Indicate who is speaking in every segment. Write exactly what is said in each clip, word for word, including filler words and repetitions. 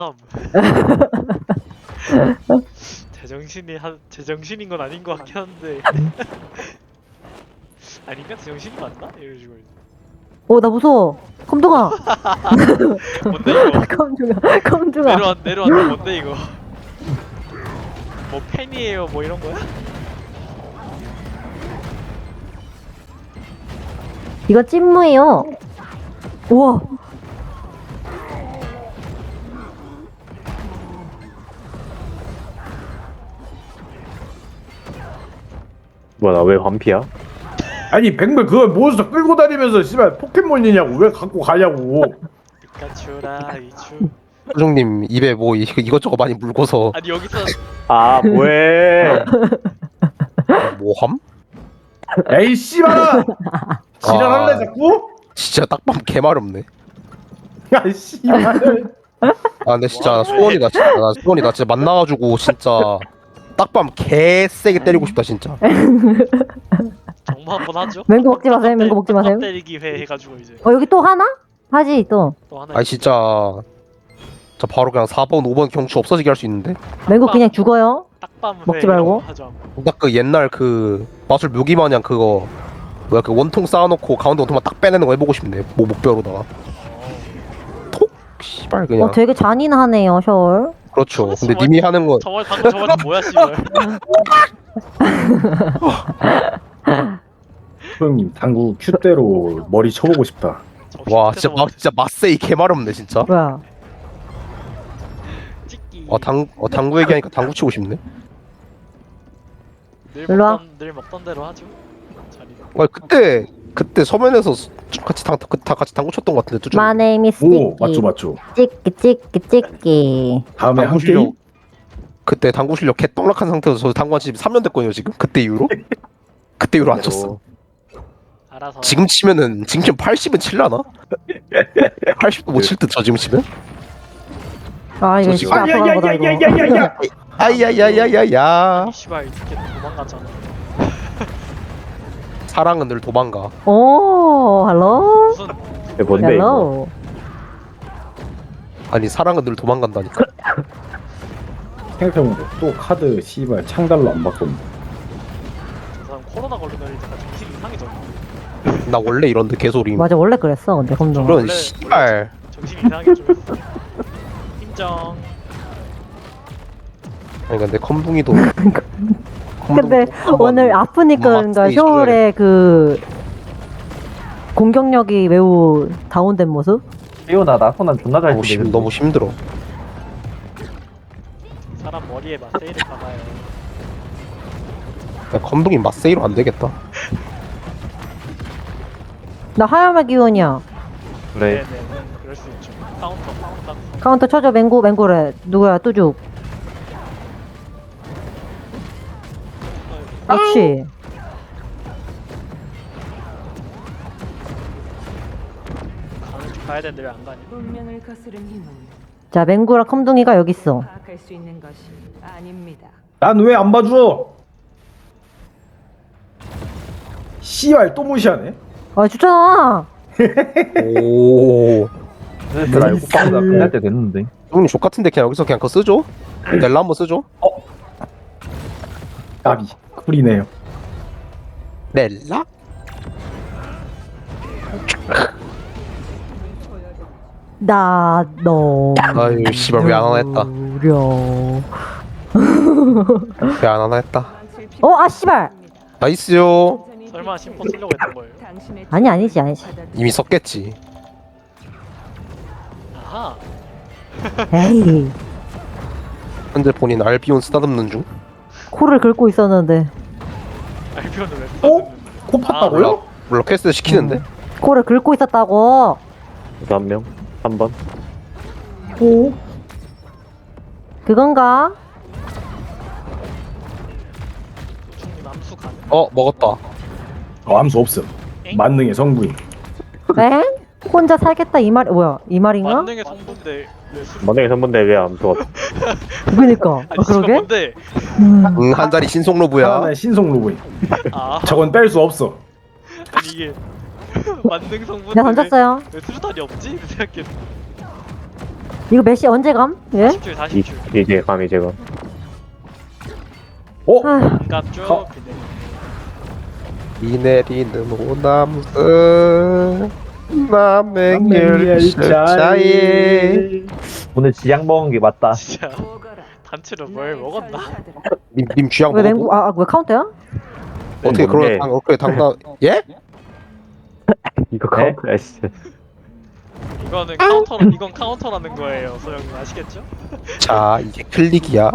Speaker 1: 제정신이 한 제정신인 건 아닌 것 같긴 한데 아닌가? 제정신이 맞나? 이런 식으로.
Speaker 2: 어, 나 무서워. 검둥아.
Speaker 1: 뭔데 이거?
Speaker 2: 검둥아. 검둥아.
Speaker 1: 내려왔 내려왔는데 뭔데 이거? 뭐 팬이에요? 뭐 이런 거야?
Speaker 2: 이거 찐무예요. 우와.
Speaker 3: 뭐야 나 왜 반피야?
Speaker 4: 아니 백물 그걸 몬스터 끌고 다니면서 씨발 포켓몬이냐고 왜 갖고 가냐고.
Speaker 1: 피카츄라 이츄.
Speaker 5: 소중님 입에 뭐 이- 이것저것 많이 물고서
Speaker 1: 아니 여기서
Speaker 3: 아 뭐해?
Speaker 5: 뭐함?
Speaker 4: 에이 씨발아. 지랄할래
Speaker 5: 아.
Speaker 4: 자꾸?
Speaker 5: 진짜 딱밤 개마렵네.
Speaker 4: 야 씨발.
Speaker 5: 아 근데 진짜
Speaker 1: 와,
Speaker 5: 소원이다 진짜 나 소원이다 진짜 만나가지고 진짜 딱밤 개 세게 때리고 싶다 진짜.
Speaker 1: 정모 한번 하죠.
Speaker 2: 맹구 먹지 마세요. 맹구 먹지 마세요.
Speaker 1: 땀 때리기 회 해가지고 이제
Speaker 2: 어, 여기 또 하나? 하지, 또.
Speaker 1: 또 하나.
Speaker 5: 아니 진짜 저 바로 그냥 사 번 오 번 경추 없어지게 할 수 있는데.
Speaker 2: 맹구 그냥 죽어요.
Speaker 1: 딱밤 회
Speaker 2: 먹지 말고.
Speaker 1: 이런 거 하죠.
Speaker 5: 딱 그 옛날 그 마술 묘기 마냥 그거 뭐야 그 원통 쌓아놓고 가운데 원통만 딱 빼내는 거 해보고 싶네. 뭐 목뼈로다가 톡 씨발 그냥.
Speaker 2: 어, 되게 잔인하네요, 셔울.
Speaker 5: 그렇죠. 근데
Speaker 1: 정말-
Speaker 5: 님이 하는 건
Speaker 1: 저말 방금 저말 뭐야 씨발.
Speaker 4: 형님 당구 큐대로 머리 쳐보고 싶다.
Speaker 5: 와 진짜 마, 진짜 맛세이 개마렵네 진짜.
Speaker 2: 뭐야.
Speaker 1: 찍기.
Speaker 5: 어 당 어 당구 얘기하니까 당구 치고 싶네.
Speaker 1: 늘
Speaker 2: 일로 와.
Speaker 1: 먹던 늘 먹던 대로 하죠. 자리.
Speaker 5: 아 그때 그때 서면에서 같이 당, 그, 다 같이 당구 쳤던 것 같은데 뚜준.
Speaker 2: My name is
Speaker 4: 오 맞죠
Speaker 2: 찍기.
Speaker 4: 맞죠.
Speaker 2: 찍기, 찍기, 찍기.
Speaker 4: 다음에
Speaker 5: 당구
Speaker 4: 한
Speaker 5: 실력
Speaker 4: 게임?
Speaker 5: 그때 당구 실력 개떡락한 상태에서 저 당구 한지 삼 년 됐거든요 지금. 그때 이후로 그때 이후로 안 쳤어.
Speaker 1: 알아서.
Speaker 5: 지금 치면은 지금 치면 팔십은 칠라나? 팔십도 못 칠 듯 저 지금 치면?
Speaker 2: 아, 이거
Speaker 5: 저
Speaker 2: 진짜
Speaker 5: 지금-
Speaker 2: 아파간 거다, 이거.
Speaker 4: 야야야야야야야.
Speaker 5: 아야야야야야.
Speaker 1: 아니 씨발 이렇게 도망갔잖아.
Speaker 5: 사랑은 늘 도망가.
Speaker 2: 오, 헬로?
Speaker 1: 무슨
Speaker 3: 이게 뭔데 이거?
Speaker 2: 헬로?
Speaker 5: 아니 사랑은 늘 도망간다니까.
Speaker 4: 생각해보면 또 카드 씨발 창달로 안 바꿨네.
Speaker 1: 저 사람 코로나 걸리면 일단 정신 이상해져.
Speaker 5: 나 원래 이런데 개소리.
Speaker 2: 맞아, 원래 그랬어, 근데, 검둥아.
Speaker 5: 그런
Speaker 1: 원래-
Speaker 5: 씨발.
Speaker 1: 정신 이상하게 좀 했어. 인정.
Speaker 5: 아니 근데 컴붕이도.
Speaker 2: 근데 오늘 아프니까 그런가
Speaker 5: 막세이
Speaker 2: 셔울의 그 공격력이 매우 다운된 모습?
Speaker 3: 삐오나 나 손안 존나 잘
Speaker 5: 너무,
Speaker 3: 치는데.
Speaker 5: 심, 너무 힘들어.
Speaker 1: 사람 머리에 마세이를 박아요.
Speaker 5: 야, 컴붕이 맛세이로 안 되겠다.
Speaker 2: 나 하야마 기운이야.
Speaker 3: 그래.
Speaker 1: 네네. 그럴 수 있죠. 카운터 카운터.
Speaker 2: 카운터 쳐줘. 맹구 맹구래. 누구야? 뚜죽. 그렇지.
Speaker 1: 가는 중 가야 되는데 왜 안 가니?
Speaker 6: 운명을 거스른 힘은
Speaker 2: 자, 맹구랑 컴둥이가 여기 있어.
Speaker 6: 파악할 수 있는 것이 아닙니다.
Speaker 4: 난 왜 안 봐줘? 씨발 또 무시하네.
Speaker 2: 아, 주잖아.
Speaker 5: 오.
Speaker 3: 나 이거 빵나 끝날 때 됐는데.
Speaker 5: 형님 족 같은데 그냥 여기서 그냥 그거 쓰죠? 넬라 한번 쓰죠?
Speaker 4: 까비 쿨이네요.
Speaker 5: 넬라?
Speaker 2: 나 너.
Speaker 5: 아유 씨발 왜 안 하나 했다.
Speaker 2: 려.
Speaker 5: 왜 안 하나 했다.
Speaker 2: 어, 아 씨발.
Speaker 5: 나이스요.
Speaker 1: 설마 심포 쓰려고 했던 거예요?
Speaker 6: 당신의
Speaker 2: 아니 아니지 아니지.
Speaker 5: 이미 썼겠지.
Speaker 1: 아하.
Speaker 2: 에이.
Speaker 5: 현재 본인 알비온 쓰다듬는 중.
Speaker 2: 코를 긁고 있었는데
Speaker 1: 알비온을 왜
Speaker 4: 어?
Speaker 1: 어?
Speaker 4: 코 팠다고요?
Speaker 5: 물론 퀘스트 시키는데.
Speaker 2: 코를 긁고 있었다고.
Speaker 3: 그래서 한 명, 한 번.
Speaker 4: 오?
Speaker 2: 그건가?
Speaker 1: 노충님 암수 가능?
Speaker 5: 어 먹었다.
Speaker 4: 어, 암수 없음.
Speaker 1: 엥?
Speaker 4: 만능의 성부인.
Speaker 2: 에? 혼자 살겠다 이 말 뭐야 이 말인가?
Speaker 1: 만능의 성분데 왜 술?
Speaker 3: 만약에 선분데 왜안 좋았?
Speaker 2: 그니까.
Speaker 1: 아니
Speaker 2: 아,
Speaker 1: 지금
Speaker 2: 그러게?
Speaker 1: 뭔데?
Speaker 2: 음.
Speaker 5: 응 한 자리 신속로브야.
Speaker 4: 하나의 신속 로그인.
Speaker 1: 아
Speaker 4: 저건 뺄 수 없어.
Speaker 1: 아니 이게 만능 성분.
Speaker 2: 내가 던졌어요.
Speaker 1: 왜 수류탄이 없지? 이렇게 생각했.
Speaker 2: 이거 메시 언제 감? 예?
Speaker 1: 사십 줄
Speaker 3: 이,
Speaker 1: 사십 줄
Speaker 3: 이제 감이 제가.
Speaker 4: 어?
Speaker 2: 아휴,
Speaker 1: 반갑 쭉
Speaker 4: 가-
Speaker 1: 비 내리는.
Speaker 5: 비 내리는 호남선 남행열차에
Speaker 3: 오늘 지약 먹은 게 맞다.
Speaker 1: 진짜
Speaker 6: 오거라.
Speaker 1: 단체로 뭘
Speaker 6: 나의
Speaker 1: 먹었나?
Speaker 6: 전사들아.
Speaker 5: 님, 님 쥐약
Speaker 2: 왜
Speaker 5: 먹어도
Speaker 2: 맹구 아, 아, 왜 카운터야?
Speaker 5: 어떻게
Speaker 3: 뭔데?
Speaker 5: 그런 당 어떻게 당당 예?
Speaker 3: 이거 카운트야, 씨.
Speaker 1: 이거는 카운터 이건 카운터라는 거예요 소영님 아시겠죠?
Speaker 5: 자 이게 클릭이야.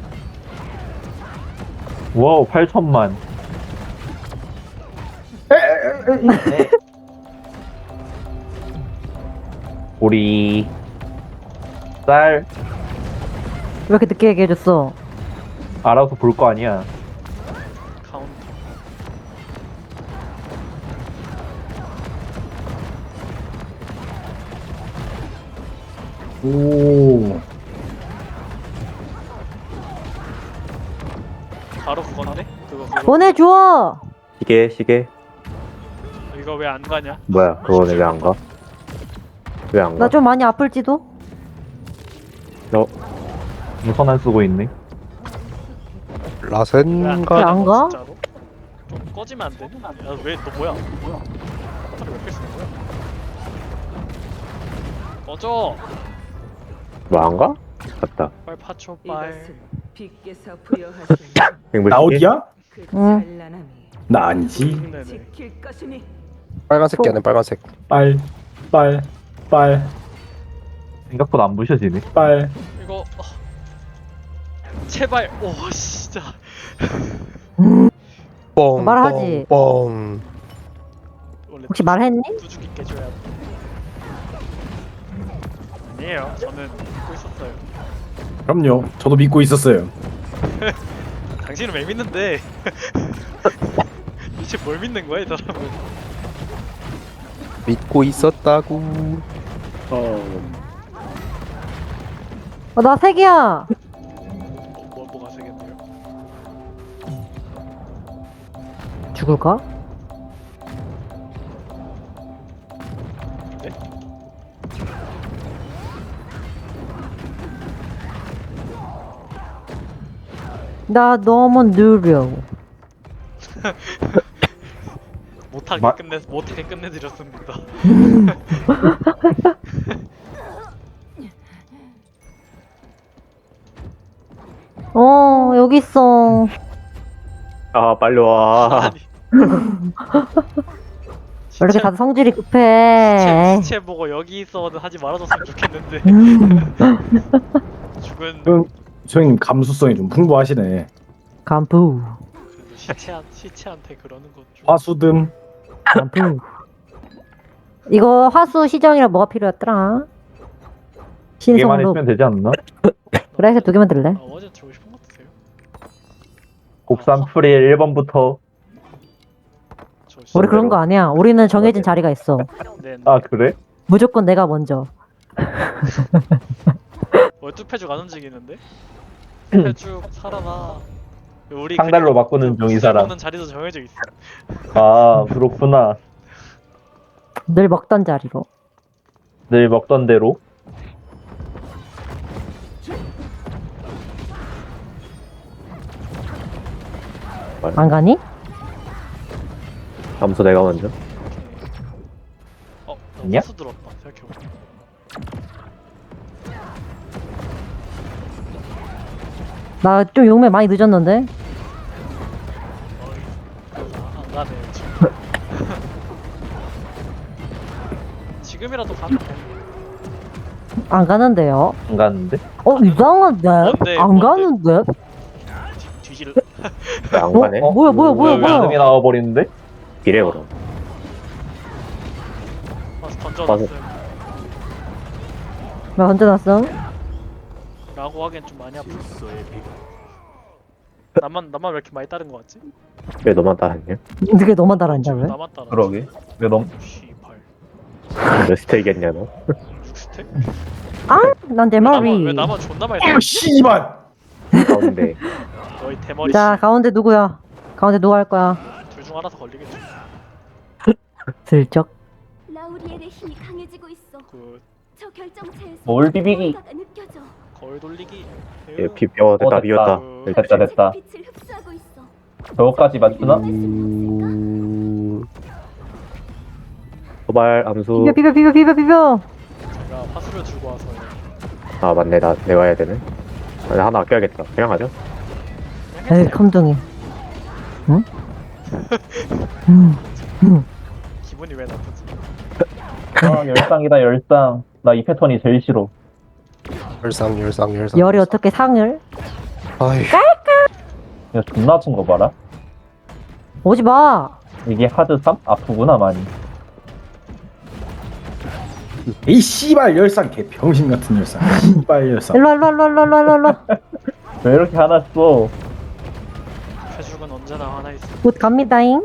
Speaker 3: 와우, 팔천만. 우리 쌀
Speaker 2: 왜 이렇게 늦게 얘기해줬어?
Speaker 3: 알아서 볼 거 아니야.
Speaker 1: 카운터
Speaker 4: 오.
Speaker 1: 바로 그건데? 그거 그거
Speaker 2: 보내줘.
Speaker 3: 시계, 시계.
Speaker 1: 이거 왜 안 가냐?
Speaker 3: 뭐야, 그거는 왜 안 가? 왜 안 가?
Speaker 2: 나 좀 많이 아플지도.
Speaker 3: 너 무선 안 쓰고 있네.
Speaker 1: 왜 안
Speaker 5: 라센가
Speaker 2: 안
Speaker 1: 가냐고,
Speaker 2: 가?
Speaker 1: 진짜로? 좀 꺼지면 안 되냐? 야왜너 뭐야? 뭐야? 카운터를 왜 뺐어 거야? 꺼져!
Speaker 3: 뭐 안 가? 갔다.
Speaker 1: 빨 파초 빨
Speaker 6: 이것은 빛께서 부여하신
Speaker 3: 백물
Speaker 4: 나
Speaker 3: 시계?
Speaker 4: 어디야?
Speaker 6: 그
Speaker 2: 응.
Speaker 6: 찬란함이
Speaker 4: 나 아니지.
Speaker 1: 네네
Speaker 6: 지킬 것이니.
Speaker 5: 빨간색 깨네 빨간색.
Speaker 4: 빨, 빨, 빨,
Speaker 3: 생각보다 안 부셔지네.
Speaker 4: 빨.
Speaker 1: 이거 어. 제발 오 진짜
Speaker 5: 뻥.
Speaker 2: 말하지.
Speaker 5: 뻥.
Speaker 1: 원래
Speaker 2: 혹시 말했니?
Speaker 1: 두둑이 깨줘야 돼 아니에요 저는 믿고 있었어요
Speaker 4: 그럼요. 저도 믿고 있었어요.
Speaker 1: 당신은 왜 믿는데 도대체 뭘 믿는 거야 이 사람은
Speaker 5: 믿고 있었다고.
Speaker 4: 어.
Speaker 2: 어, 나 세 개야.
Speaker 1: 뭐, 뭐, 뭐가 세겠네요
Speaker 2: 죽을까?
Speaker 1: 네?
Speaker 2: 나 너무 느려.
Speaker 1: 못하게
Speaker 3: 마-
Speaker 1: 끝내 못하게 끝내드렸습니다
Speaker 2: 어, 여기 있어.
Speaker 3: 아, 빨리 와.
Speaker 1: 아니
Speaker 2: 왜 이렇게
Speaker 1: 시체,
Speaker 2: 다들 성질이
Speaker 1: 시체,
Speaker 2: 급해.
Speaker 1: 시체 보고 여기 있어는 하지 말아줬으면 좋겠는데
Speaker 2: 음,
Speaker 1: 죽은
Speaker 4: 응. 소영님 감수성이 좀 풍부하시네.
Speaker 2: 간부.
Speaker 1: 그래도 시체 시체한테 그러는 건좀
Speaker 4: 화수듬.
Speaker 2: 간부. 이거 화수 시정이라 뭐가 필요했더라?
Speaker 3: 이게만
Speaker 2: 신성로.
Speaker 3: 있으면 되지 않나?
Speaker 2: 그래, 두 개만 들래?
Speaker 1: 아, 어제 들고 싶은 거 드세요?
Speaker 3: 곱삼 프릴 일 번부터.
Speaker 1: 저 씨-
Speaker 2: 우리 그런 거 아니야. 우리는 정해진 자리가 있어.
Speaker 1: 네, 네.
Speaker 3: 아, 그래?
Speaker 2: 무조건 내가 먼저.
Speaker 1: 뭐 뚜페죽 안 움직이는데? 뚜페죽 살아나. 우리
Speaker 3: 상달로
Speaker 1: 그리고
Speaker 3: 바꾸는
Speaker 1: 그
Speaker 3: 중, 이 사람.
Speaker 1: 먹는 자리도 정해져 있어.
Speaker 3: 아, 그렇구나.
Speaker 2: 늘 먹던 자리로.
Speaker 3: 늘 먹던 대로.
Speaker 2: 안 가니?
Speaker 3: 잠수 내가 먼저.
Speaker 1: 어, 나
Speaker 3: 있냐?
Speaker 1: 호수 들었다. 생각해보니까.
Speaker 2: 나 좀 용매 많이 늦었는데?
Speaker 1: 어이, 아, 안 가네 지금. 지금이라도 가면 돼.
Speaker 2: 안 가는데요?
Speaker 3: 안 갔는데?
Speaker 2: 어, 이상한데?
Speaker 1: 뭔데,
Speaker 2: 안
Speaker 1: 뭔데?
Speaker 2: 가는데?
Speaker 1: 뒤, 뒤질.
Speaker 3: 왜 안
Speaker 2: 어?
Speaker 3: 가네?
Speaker 2: 어, 뭐야, 뭐야, 뭐야, 뭐야.
Speaker 3: 양이 나와버리는데? 이래, 그럼.
Speaker 1: 와서 던져놨음.
Speaker 2: 나 던져놨어?
Speaker 1: 라고 하기엔 좀 많이 아프다. 나만 나만 왜 이렇게 많이 따른 거 같지?
Speaker 3: 왜 너만 따랐냐?
Speaker 2: 그게 너만 달았냐, 왜?
Speaker 1: 나만 따라.
Speaker 3: 왜 너,
Speaker 1: 씨발.
Speaker 3: 몇 스택이었냐, 너?
Speaker 1: 육 스택?
Speaker 2: 아, 난 내
Speaker 1: 나만
Speaker 2: 머리.
Speaker 1: 왜 나만 존나 많이
Speaker 4: 아,
Speaker 1: 따라?
Speaker 4: 씨발.
Speaker 3: 가운데.
Speaker 1: 너희 대머리
Speaker 2: 자, 가운데 누구야? 가운데 누가 할 거야?
Speaker 1: 둘 중 하나 더 걸리겠지.
Speaker 2: 슬쩍.
Speaker 7: 라우리엘의 힘이 강해지고 있어.
Speaker 1: 그
Speaker 7: 적 뭘 비비기?
Speaker 1: 거울 돌리기.
Speaker 3: 예, 비벼 됐다
Speaker 7: 어, 됐다.
Speaker 3: 비웠다.
Speaker 7: 됐다 됐다. 저거까지 맞추나?
Speaker 5: 음...
Speaker 3: 도발 암수.
Speaker 2: 비벼 비벼 비벼 비벼 비벼.
Speaker 1: 제가 파수를 들고 와서
Speaker 3: 아 맞네 나 내가 해야 되네. 아, 나 하나 아껴야겠다. 그냥 하죠.
Speaker 2: 에이 감동이. 응? 음. 음.
Speaker 1: 기분이 왜 나쁘지?
Speaker 7: 아 열상이다 열상. 나 이 패턴이 제일 싫어.
Speaker 5: 열상 열상 열상.
Speaker 2: 열이 어떻게 상을?
Speaker 5: 아이.
Speaker 7: 이거 존나 아픈 거 봐라.
Speaker 2: 오지 마.
Speaker 7: 이게 하드 삼? 아프구나 많이.
Speaker 4: 이 씨발 열상 개 병신 같은 열상. 씨발 열상.
Speaker 2: 일로 와, 일로 와, 일로 와, 일로 와, 일로 와, 일로 와.
Speaker 7: 왜 이렇게 화났어?
Speaker 1: 회죽은 언제나 하나 있어.
Speaker 2: 곧 갑니다잉.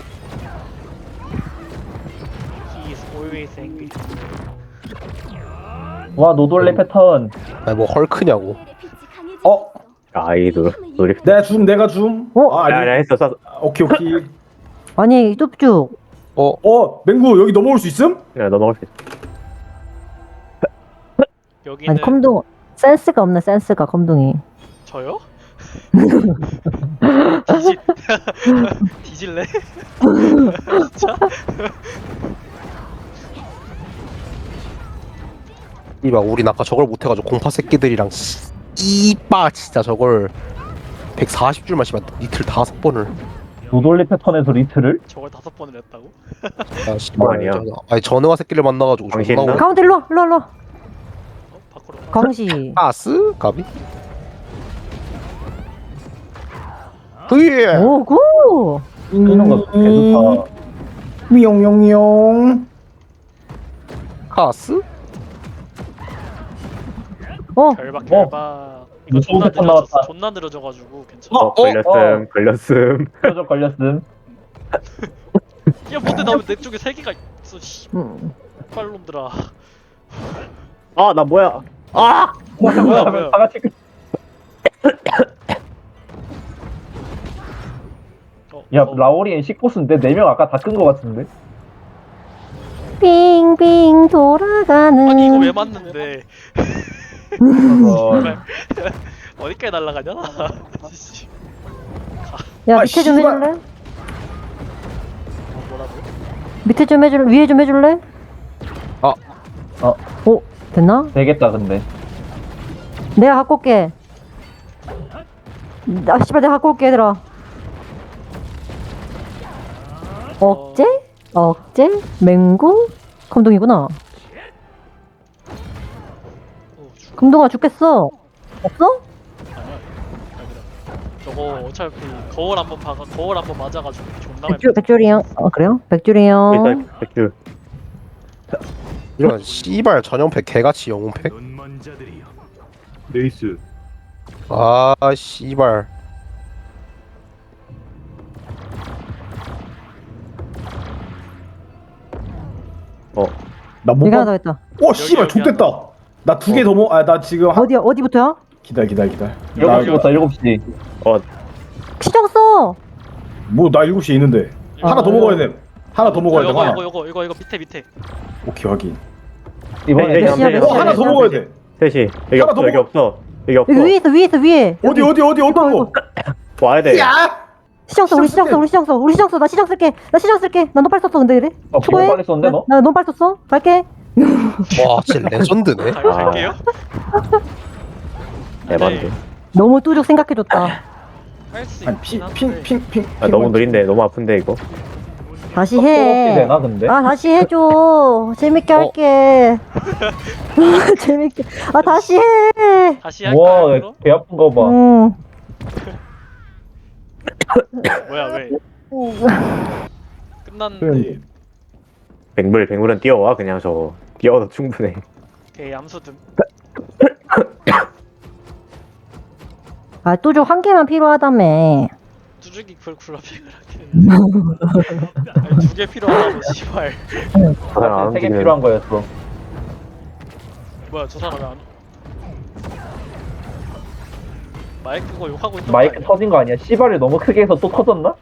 Speaker 1: He is always angry.
Speaker 7: 와 노돌레 패턴.
Speaker 5: 아니 뭐 헐크냐고.
Speaker 4: 어?
Speaker 3: 아이돌 노리.
Speaker 4: 내가 줌 내가 줌.
Speaker 2: 어?
Speaker 4: 아
Speaker 3: 아니
Speaker 4: 아니.
Speaker 3: 아니 했어 쐈어.
Speaker 4: 아, 오케이 오케이.
Speaker 2: 아니 뚝쭉.
Speaker 5: 어?
Speaker 4: 어 맹구 여기 넘어올 수 있음?
Speaker 3: 야 넘어갈 수 있어.
Speaker 1: 여기는
Speaker 2: 아니 컴동 센스가 없네 센스가 컴동이.
Speaker 1: 저요? 뒤질 뒤질래? 진짜?
Speaker 5: 이봐 우린 아까 저걸 못해가지고 공파 새끼들이랑 씨, 이빠 진짜 저걸 백사십 줄만 씨발 이틀 다섯 번을.
Speaker 7: 노돌레 패턴에서 리트를?
Speaker 1: 저걸 다섯 번을 했다고?
Speaker 5: 아 씨발
Speaker 3: 아니야.
Speaker 5: 저- 아니 전능화 새끼를 만나가지고
Speaker 3: 당신
Speaker 5: 존나
Speaker 3: 나?
Speaker 5: 오래.
Speaker 2: 가운데 일로 와, 일로 와, 일로 와.
Speaker 1: 어? 밖으로 가.
Speaker 2: 광시.
Speaker 5: 아스 가비. 으예.
Speaker 2: 오구.
Speaker 7: 이런 거 개좋다.
Speaker 4: 미용용용.
Speaker 5: 카스?
Speaker 2: 어.
Speaker 1: 결박
Speaker 7: 어.
Speaker 1: 결박. 이거
Speaker 7: 무서운
Speaker 1: 존나
Speaker 7: 패턴
Speaker 1: 느려졌어.
Speaker 7: 나왔다.
Speaker 1: 존나 느려져가지고 괜찮아.
Speaker 3: 어, 걸렸음 걸렸음.
Speaker 7: 표적 걸렸음.
Speaker 1: 야 뭔데 나 왜 내 쪽에 세 개가 있어?
Speaker 2: 음.
Speaker 1: 씨발놈들아.
Speaker 3: 아 나 뭐야? 아
Speaker 1: 뭐야 뭐야.
Speaker 7: 다 같이 그-
Speaker 1: 어,
Speaker 7: 야
Speaker 1: 어,
Speaker 7: 라오리엔 십보스인데 네 명 아까 다 끈 거 같은데?
Speaker 2: 빙빙 돌아가는.
Speaker 1: 아니 이거 왜 맞는데?
Speaker 7: 어,
Speaker 1: 어디까지 날아가냐? 씨.
Speaker 2: 야
Speaker 4: 아,
Speaker 2: 밑에 좀
Speaker 4: 씨발.
Speaker 2: 해줄래?
Speaker 1: 어, 뭐라고?
Speaker 2: 밑에 좀 해줄래? 위에 좀 해줄래?
Speaker 5: 아.
Speaker 7: 어.
Speaker 2: 오 됐나?
Speaker 7: 되겠다 근데.
Speaker 2: 내가 갖고 올게. 아 씨발 내가 갖고 올게 얘들아. 억제? 억제? 맹구? 검동이구나.
Speaker 1: 어, 죽.
Speaker 2: 검동아 죽겠어. 없어?
Speaker 1: 아니야. 아니라. 저거 어차피 거울 한번 박아 거울 한번 맞아가지고 존나
Speaker 2: 백줄 백줄이 형. 어 그래요? 백줄이 형.
Speaker 3: 일단 백주.
Speaker 5: 이런 씨발 전용팩 개같이 영웅팩?
Speaker 4: 레이스.
Speaker 5: 아 씨발.
Speaker 3: 어
Speaker 4: 나못
Speaker 2: 이거 하나
Speaker 4: 봐.
Speaker 2: 더 있다.
Speaker 4: 오 씨발
Speaker 1: 여기
Speaker 4: 좋됐다. 나 두 개 더 먹. 아 나 지금 한.
Speaker 2: 어디야? 어디부터야?
Speaker 4: 기다려 기다려 기다려.
Speaker 7: 일곱 시부터 일곱 시.
Speaker 2: 시정 써.
Speaker 4: 뭐나 일곱 시에 있는데.
Speaker 2: 아,
Speaker 4: 하나 더 먹어야 돼. 하나 더 먹어야 돼.
Speaker 1: 이거
Speaker 4: 하나.
Speaker 1: 이거 이거 이거 이거 밑에 밑에.
Speaker 4: 오케이 확인.
Speaker 7: 이번에
Speaker 3: 네, 네,
Speaker 7: 네,
Speaker 3: 네,
Speaker 4: 어
Speaker 3: 네,
Speaker 4: 하나 더
Speaker 3: 네,
Speaker 4: 먹어야
Speaker 3: 네.
Speaker 4: 돼.
Speaker 3: 셋이 여기
Speaker 4: 하나
Speaker 3: 없어
Speaker 4: 더
Speaker 3: 여기
Speaker 4: 먹어.
Speaker 3: 없어 여기 없어.
Speaker 2: 여기 위에 있어 위에 있어 위에.
Speaker 4: 어디
Speaker 2: 여기.
Speaker 4: 어디 어디 어떤 거?
Speaker 3: 와야 돼.
Speaker 4: 야!
Speaker 2: 시정 써 우리 시정 써 우리 시정 써 우리 시정 써나 시정 쓸게 나 시정 쓸게 나 너빨 썼어 근데 그래?
Speaker 7: 어,
Speaker 2: 초보해?
Speaker 7: 비용 빨리 썼는데, 너?
Speaker 2: 나 너빨 썼어 갈게.
Speaker 5: 와 진짜 레전드네.
Speaker 1: 갈, 갈게요.
Speaker 3: 대박인데.
Speaker 2: 너무 뚜죽 생각해줬다.
Speaker 1: 할수
Speaker 4: 아니
Speaker 1: 있긴 한데.
Speaker 4: 핑핑핑핑
Speaker 3: 아 너무 느린데 너무 아픈데 이거.
Speaker 2: 다시
Speaker 7: 해.
Speaker 2: 해.
Speaker 7: 되나 근데?
Speaker 2: 아 다시 해줘. 재밌게
Speaker 5: 어.
Speaker 2: 할게. 재밌게. 아 다시 해.
Speaker 1: 다시 할까요?
Speaker 7: 와,
Speaker 1: 그럼?
Speaker 7: 배 아픈 거 봐.
Speaker 2: 응.
Speaker 1: 뭐야 왜? 끝났는데.
Speaker 4: 그래.
Speaker 3: 백물 백물은 뛰어와 그냥 저거. 뛰어도 충분해.
Speaker 1: 개 암수듬.
Speaker 2: 아 뚜죽 한 개만 필요하다며.
Speaker 1: 두둑이 그걸 굴러핑을 하게. 아니 두 개 필요하다고 씨발.
Speaker 3: 아, 안
Speaker 7: 세개
Speaker 3: 움직이네.
Speaker 7: 필요한 거였어.
Speaker 1: 뭐야 저 사람 왜 안? 마이크 거 욕하고 있는
Speaker 7: 마이크
Speaker 1: 거 아니야?
Speaker 7: 터진 거 아니야? 씨발을 너무 크게 해서 또 터졌나?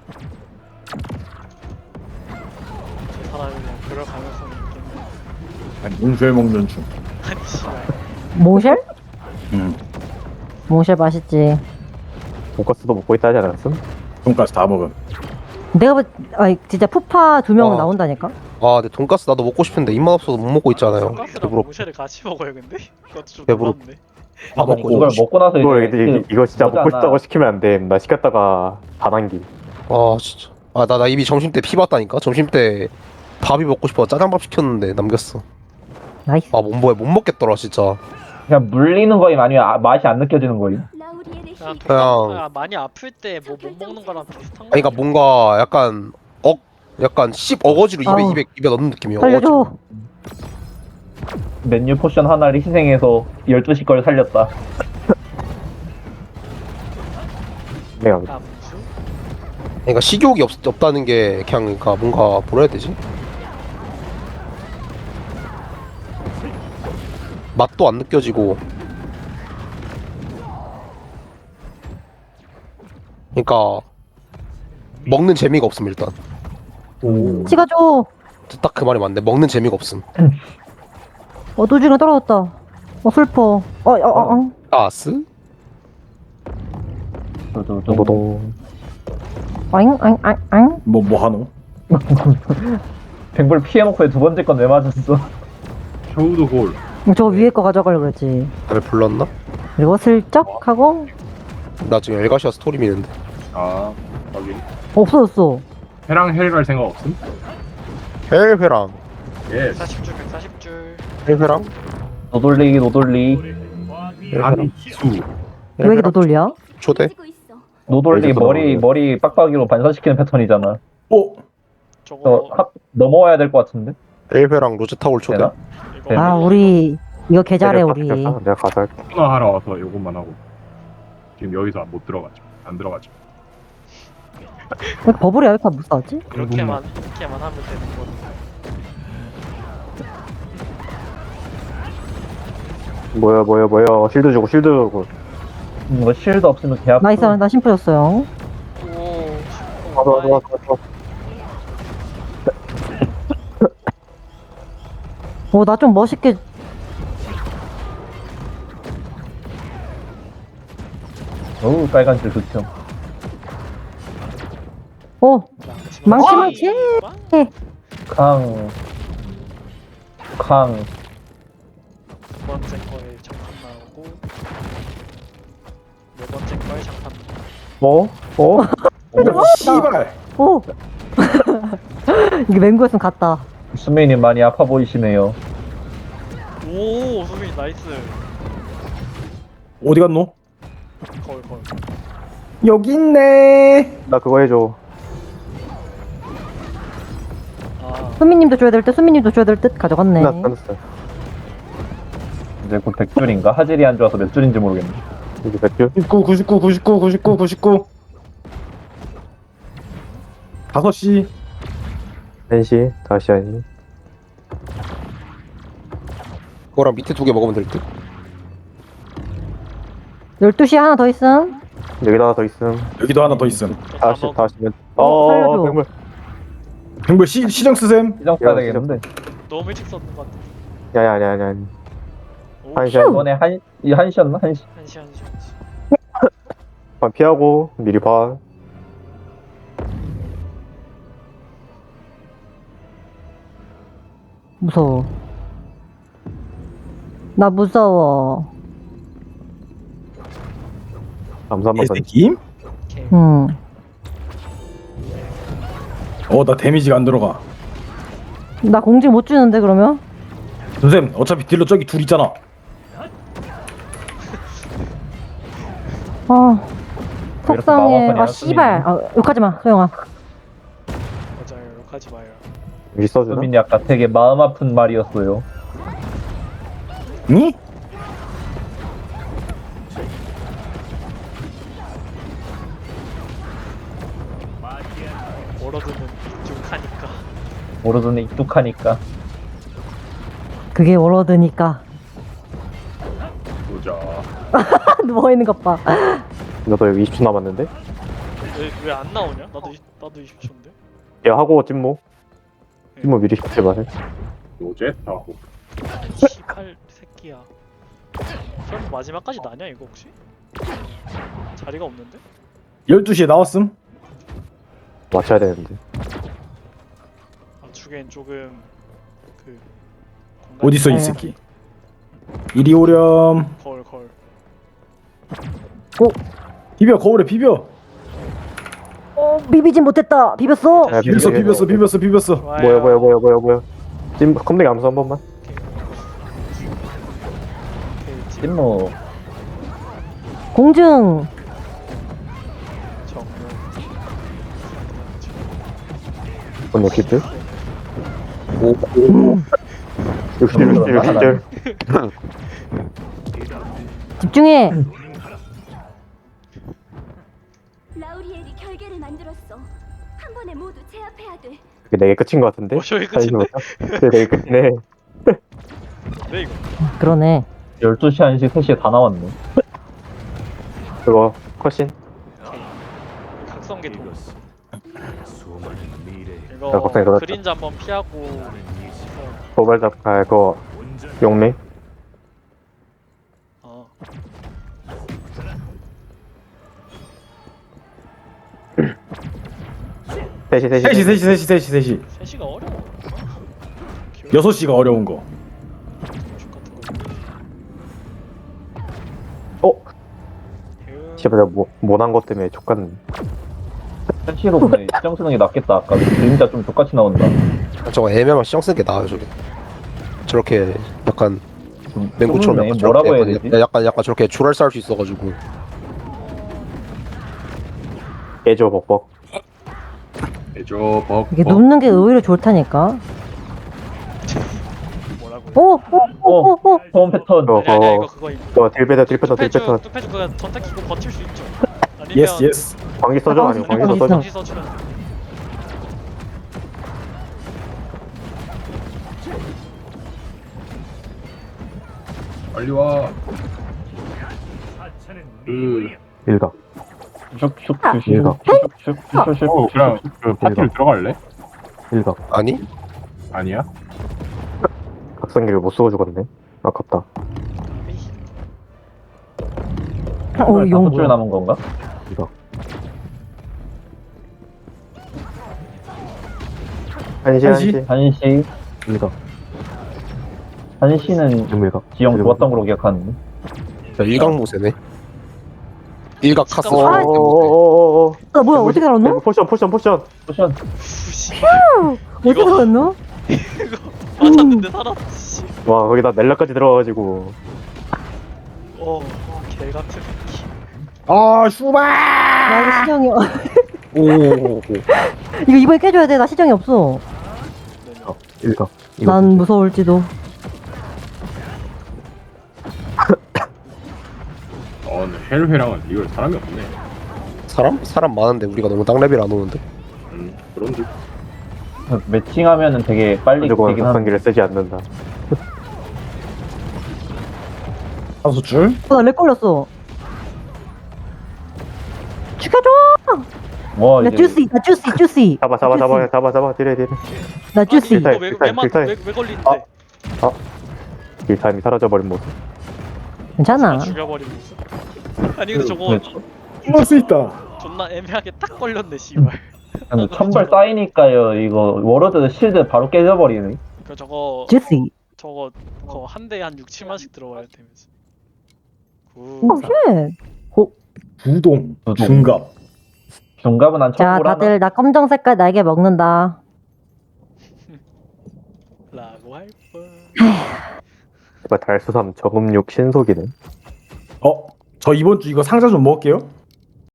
Speaker 1: 저 사람이 그냥 그럴 가능성이 있겠네.
Speaker 4: 아니 몽쉘 먹는 중.
Speaker 1: 아니 씨발.
Speaker 2: 몽쉘?
Speaker 4: 응.
Speaker 2: 몽쉘 맛있지.
Speaker 3: 돈가스도 먹고 있다 하지 않았음?
Speaker 4: 돈까스 다 먹음.
Speaker 2: 내가 볼, 아 진짜 푸파 두 명은
Speaker 5: 와.
Speaker 2: 나온다니까.
Speaker 5: 아, 근데 돈가스 나도 먹고 싶은데 입맛 없어서 못 먹고 있잖아요.
Speaker 1: 돈가스랑
Speaker 5: 일부러
Speaker 1: 모쉐를 같이 먹어요 근데? 그것도 좀
Speaker 5: 배부르-
Speaker 1: 놀랍네.
Speaker 4: 다
Speaker 5: 먹고
Speaker 4: 먹고.
Speaker 7: 이걸 먹고 나서
Speaker 3: 이거,
Speaker 7: 이제
Speaker 3: 이거, 이거 진짜
Speaker 7: 그거잖아.
Speaker 3: 먹고 싶다고 시키면 안 돼. 나 시켰다가 반환기.
Speaker 5: 아 진짜. 아 나 나 이미 점심 때 피 봤다니까. 점심 때 밥이 먹고 싶어 짜장밥 시켰는데 남겼어.
Speaker 2: 나이스.
Speaker 5: 아 못 먹, 못 먹겠더라 진짜.
Speaker 7: 그냥 물리는 거임 아니면 아, 맛이 안 느껴지는 거임?
Speaker 1: 그냥
Speaker 5: 그냥-
Speaker 1: 돈가스가 많이 아플 때 뭐 못 먹는 거랑 비슷한 거.
Speaker 5: 아니 그러니까 뭔가 약간 억 약간 씹 어거지로 입에
Speaker 2: 아우.
Speaker 5: 입에 입에 넣는 느낌이야.
Speaker 2: 살려줘.
Speaker 5: 어거지로.
Speaker 7: 메뉴 포션 하나를 희생해서 열두 시 걸 살렸다.
Speaker 3: 내가
Speaker 1: 아 무슨?
Speaker 5: 그러니까 식욕이 없, 없다는 게 그냥 그러니까 뭔가 뭐라 해야 되지? 맛도 안 느껴지고. 그러니까 먹는 재미가 없음 일단.
Speaker 2: 찍어줘.
Speaker 5: 딱 그 말이 맞네. 먹는 재미가 없음.
Speaker 2: 어 노중에 떨어졌다. 어 슬퍼. 어어 어. 어.
Speaker 5: 아스?
Speaker 3: 노동.
Speaker 2: 아잉 아잉 아잉 아잉.
Speaker 4: 뭐 뭐 하노?
Speaker 7: 뱅볼 피해놓고 두 번째 건 왜 맞았어?
Speaker 4: 쇼우도 골.
Speaker 2: 저 위에 거 가져가려고 그랬지.
Speaker 5: 다들 불렀나?
Speaker 2: 그리고 슬쩍 하고
Speaker 5: 나 지금 엘가시아 스토리 미는데.
Speaker 4: 아 여기.
Speaker 2: 없어졌어.
Speaker 4: 해랑 헬 갈 생각 없음?
Speaker 5: 헬회랑
Speaker 4: 예.
Speaker 1: 백사십 줄 백사십 줄.
Speaker 5: 헬회랑
Speaker 7: 노돌리 노돌리
Speaker 4: 아니 수.
Speaker 2: 왜 이렇게 너 돌려?
Speaker 5: 초대?
Speaker 7: 노돌리
Speaker 3: 여기서
Speaker 7: 머리
Speaker 3: 나오네요.
Speaker 7: 머리 빡빡이로 반사시키는 패턴이잖아.
Speaker 4: 오.
Speaker 1: 저거
Speaker 7: 저 합, 넘어와야 될 것 같은데?
Speaker 5: 헬회랑 로제타올 초대?
Speaker 7: 되나?
Speaker 1: 이거
Speaker 2: 아 우리 이거 개잘해 우리.
Speaker 3: 내가 가서 할게.
Speaker 8: 코너 하러 와서 요것만 하고 지금 여기서 못 들어가죠. 안 들어가죠.
Speaker 2: 왜 이렇게 버블이 왜 이렇게 못 싸웠지?
Speaker 1: 이렇게만 이렇게만 하면 되는 거.
Speaker 3: 뭐야, 뭐야, 뭐야. 실드 주고, 실드 주고.
Speaker 7: 음, 이거 실드 없으면 개 아프.
Speaker 2: 나이스 나 심플였어요.
Speaker 1: 오.
Speaker 3: 가자, 가자, 가자, 가자.
Speaker 2: 오나 좀 멋있게.
Speaker 7: 어우 빨간 줄 좋죠.
Speaker 2: 오 망치 망치.
Speaker 7: 康康
Speaker 1: 두 번째 거에 장판 나오고 네 번째 거에 장판.
Speaker 7: 뭐? 어?
Speaker 4: 씨발.
Speaker 2: 오. 이게 맹구였으면 갔다.
Speaker 7: 수메이님 많이 아파 보이시네요.
Speaker 1: 오 소민이 나이스.
Speaker 4: 어디 갔노?
Speaker 1: 거울 거울.
Speaker 4: 여기 있네.
Speaker 3: 나 그거 해줘.
Speaker 1: 아
Speaker 2: 수민님도 줘야 될 듯. 수민님도 줘야 될 듯. 가져갔네.
Speaker 3: 나 던졌어.
Speaker 7: 이제 곧 백 줄인가? 하질이 안 좋아서 몇 줄인지 모르겠네.
Speaker 3: 이게 몇 줄?
Speaker 4: 구십구, 구십구, 구십구, 구십구, 구십구. 다섯 시.
Speaker 3: 한 시, 다시 아니.
Speaker 5: 그거랑 밑에 두 개 먹으면 될 듯?
Speaker 2: 열두 시에 하나 더 있음.
Speaker 3: 여기다 하나 더 있음.
Speaker 4: 여기도 하나 더 있음.
Speaker 1: 저다
Speaker 3: 다시,
Speaker 1: 먹.
Speaker 3: 다시.
Speaker 2: 어,
Speaker 3: 어,
Speaker 2: 살려줘.
Speaker 3: 백물.
Speaker 4: 백물 시 시정 쓰셈.
Speaker 7: 시정 써야
Speaker 3: 야,
Speaker 7: 되겠는데.
Speaker 1: 너무 일찍 썼는 것 같아.
Speaker 3: 야, 야, 야, 야, 야.
Speaker 1: 오,
Speaker 3: 한 시,
Speaker 7: 이번에 한, 이 한시였나? 한시.
Speaker 1: 한시 한시 한시.
Speaker 3: 반 피하고, 미리 봐.
Speaker 2: 무서워. 나 무서워.
Speaker 3: 감사 한번 더.
Speaker 4: 개새끼.
Speaker 1: 오케이.
Speaker 2: 응.
Speaker 4: 어, 나 데미지가 안 들어가.
Speaker 2: 나 공지 못 주는데 그러면?
Speaker 4: 선생님, 어차피 딜러 저기 둘 있잖아.
Speaker 2: 아
Speaker 7: 왜 이렇게
Speaker 2: 속상해.
Speaker 7: 마법하냐,
Speaker 2: 아 씨발. 아, 욕하지 마 소영아.
Speaker 1: 맞아요. 욕하지 마요.
Speaker 3: 여기 써주나?
Speaker 7: 수민이 아까 되게 마음 아픈 말이었어요.
Speaker 4: 니?
Speaker 1: 워러드는 익숙하니까.
Speaker 7: 모르더니 익숙하니까.
Speaker 2: 그게 워러드니까.
Speaker 8: 보자.
Speaker 2: 누워있는 것 봐.
Speaker 3: 나도 여기 이십 초 남았는데?
Speaker 1: 왜 안 나오냐? 나도 이- 나도 이십 초인데.
Speaker 3: 야, 하고 찜모. 찜모 미리 시키지 마세요.
Speaker 8: 로제 타고.
Speaker 1: 씨발 새끼야. 설마 마지막까지 나냐 이거 혹시? 자리가 없는데?
Speaker 4: 열두 시에 나왔음.
Speaker 3: 맞춰야 되는데.
Speaker 1: 아 주겐 조금 그
Speaker 4: 어딨어 이 새끼. 이리 오렴.
Speaker 1: 거울 거울.
Speaker 4: 비벼 거울에 비벼.
Speaker 2: 어 비비진 못했다. 비볐어.
Speaker 3: 야,
Speaker 4: 비볐어 비볐어 비볐어 비볐어.
Speaker 1: 좋아요.
Speaker 3: 뭐야 뭐야 뭐야 뭐야 뭐야. 찜 컴백 암수 한 번만.
Speaker 1: 오케이, 찜.
Speaker 7: 찐무
Speaker 2: 공증.
Speaker 1: 정면.
Speaker 3: 오늘 키트.
Speaker 5: 오,
Speaker 3: 육십 육십 육십.
Speaker 2: 집중해.
Speaker 9: 라우리엘이 결계를 만들었어. 한 번에 모두 제압해야 돼.
Speaker 3: 그게 내게 끝인 것 같은데?
Speaker 1: 어 저기 끝인데?
Speaker 3: 그게 내게 끝이네.
Speaker 1: 네 이거.
Speaker 2: 그러네.
Speaker 7: 열두 시, 한 시, 세 시에 다 나왔네.
Speaker 3: 그거 컷신.
Speaker 1: 각성기 도.
Speaker 3: 야,
Speaker 1: 이거
Speaker 3: 각성기 돌았다.
Speaker 1: 그림자 한번 피하고.
Speaker 3: 도발잡 아 그거 용맹.
Speaker 1: 어.
Speaker 3: 셋이 셋이
Speaker 4: 셋시 셋시 셋시 셋시 셋시.
Speaker 1: 세 시가 어려워.
Speaker 4: 여섯 시가 어려운 거.
Speaker 1: 족 같은 거.
Speaker 3: 어?
Speaker 1: 대응.
Speaker 3: 씨발 내가 뭐, 못한 것 때문에 족같네.
Speaker 7: 세 시로 보면 시정 쓰는 게 낫겠다. 아까 그림자 좀 똑같이 나온다.
Speaker 5: 저거 애매하면 시정 쓰는 게 나아요 저게. 저렇게 약간
Speaker 7: 좀
Speaker 5: 맹구처럼
Speaker 7: 좁네.
Speaker 5: 약간
Speaker 7: 뭐라고 해야
Speaker 5: 저렇게
Speaker 7: 되지?
Speaker 5: 약간 약간 저렇게 줄알 쌓을 수 있어가지고.
Speaker 3: 깨져 벅벅.
Speaker 8: 해줘 벅.
Speaker 2: 이게
Speaker 8: 벅.
Speaker 2: 눕는 게 의외로 좋다니까.
Speaker 1: 뭐라고?
Speaker 2: 오오오오
Speaker 7: 소음 패턴.
Speaker 3: 어,
Speaker 1: 아니 아니 이거
Speaker 3: 어,
Speaker 1: 그거
Speaker 3: 어, 딜베더, 딜베더, 딜베더.
Speaker 1: 뚜페주 뚜페주 그거 전탁 키고 버틸 수 있죠. 아니면
Speaker 4: 예스 예스.
Speaker 3: 광기 써줘? 아니면 광기
Speaker 2: 광기
Speaker 3: 써줘?
Speaker 1: 전지 써주면 돼.
Speaker 8: 빨리 와. 그
Speaker 3: 일각.
Speaker 7: 슉슉슉슉.
Speaker 3: 일각.
Speaker 7: 슉슉슉슉.
Speaker 8: 어, 그냥 그 파티를 들어갈래?
Speaker 3: 일각.
Speaker 5: 아니?
Speaker 8: 아니야?
Speaker 3: 각성기를 못 쓰고 죽었네. 아깝다.
Speaker 2: 어, 이
Speaker 7: 다섯 줄
Speaker 2: 영
Speaker 7: 남은 건가?
Speaker 3: 일각. 한시
Speaker 4: 한시?
Speaker 3: 한시.
Speaker 7: 한시.
Speaker 3: 일각.
Speaker 7: 한시는
Speaker 3: 일각.
Speaker 7: 지형 좋았던 걸로 기억하는데.
Speaker 5: 자, 일각 모세네. 일각 카스.
Speaker 1: 어,
Speaker 2: 아,
Speaker 3: 오오오오오.
Speaker 2: 아 뭐야 어떻게 알았노?
Speaker 3: 포션 포션 포션.
Speaker 7: 쿠션.
Speaker 1: 푸시.
Speaker 2: 어떻게 알았노?
Speaker 1: 이거 맞았는데 살았지.
Speaker 3: 와 거기다 넬라까지 들어가가지고.
Speaker 1: 어, 개 같은 새끼.
Speaker 4: 아 슈발.
Speaker 2: 나 이거 시정이
Speaker 5: 오.
Speaker 2: 이거 이번에 깨줘야 돼. 나 시정이 없어.
Speaker 3: 어, 일각. 이거
Speaker 2: 난 무서울지도.
Speaker 8: 어, 근데 헬회랑은 이걸 사람이 없네.
Speaker 5: 사람? 사람 많은데 우리가 너무 땅랩이 안 오는데.
Speaker 8: 음, 그런데
Speaker 7: 매칭하면은 되게 빨리
Speaker 3: 무조건
Speaker 7: 되긴 하는데.
Speaker 3: 각성기를 쓰지 않는다.
Speaker 4: 다섯 줄.
Speaker 2: 어나렉 걸렸어. 죽여줘.
Speaker 7: 와
Speaker 2: 나
Speaker 7: 이제
Speaker 2: 주시 나 주시 주시.
Speaker 3: 잡아 잡아 잡아 잡아 잡아 딜해 딜해.
Speaker 2: 나 주시.
Speaker 3: 딜타임,
Speaker 1: 이거 왜,
Speaker 3: 딜타임,
Speaker 1: 왜, 막-
Speaker 3: 딜타임.
Speaker 1: 왜, 왜 걸리는데?
Speaker 3: 딜타임이 사라져버린 모습.
Speaker 2: 괜찮아.
Speaker 1: 죽여버린 모습. 아니 근데 저거
Speaker 7: 그,
Speaker 4: 이럴 수 있다.
Speaker 1: 존나 애매하게 딱 걸렸네 씨발.
Speaker 7: 근데 천발 쌓이니까요. 이거 워러드 실드 바로 깨져버리네.
Speaker 1: 그 저거
Speaker 2: 주시.
Speaker 1: 저거 그거 한 대에 한 육, 칠만씩 들어와야 되면서. 구.
Speaker 2: 오 쉣.
Speaker 4: 부동.
Speaker 7: 부동.
Speaker 4: 중갑.
Speaker 7: 중갑은 안
Speaker 2: 자
Speaker 7: 쳐보라.
Speaker 2: 다들 나 검정 색깔 날개 먹는다.
Speaker 1: 라고 할 뻔.
Speaker 3: 제발 달수삼 저금육 신속이네.
Speaker 4: 어? 저 이번 주 이거 상자 좀 먹을게요.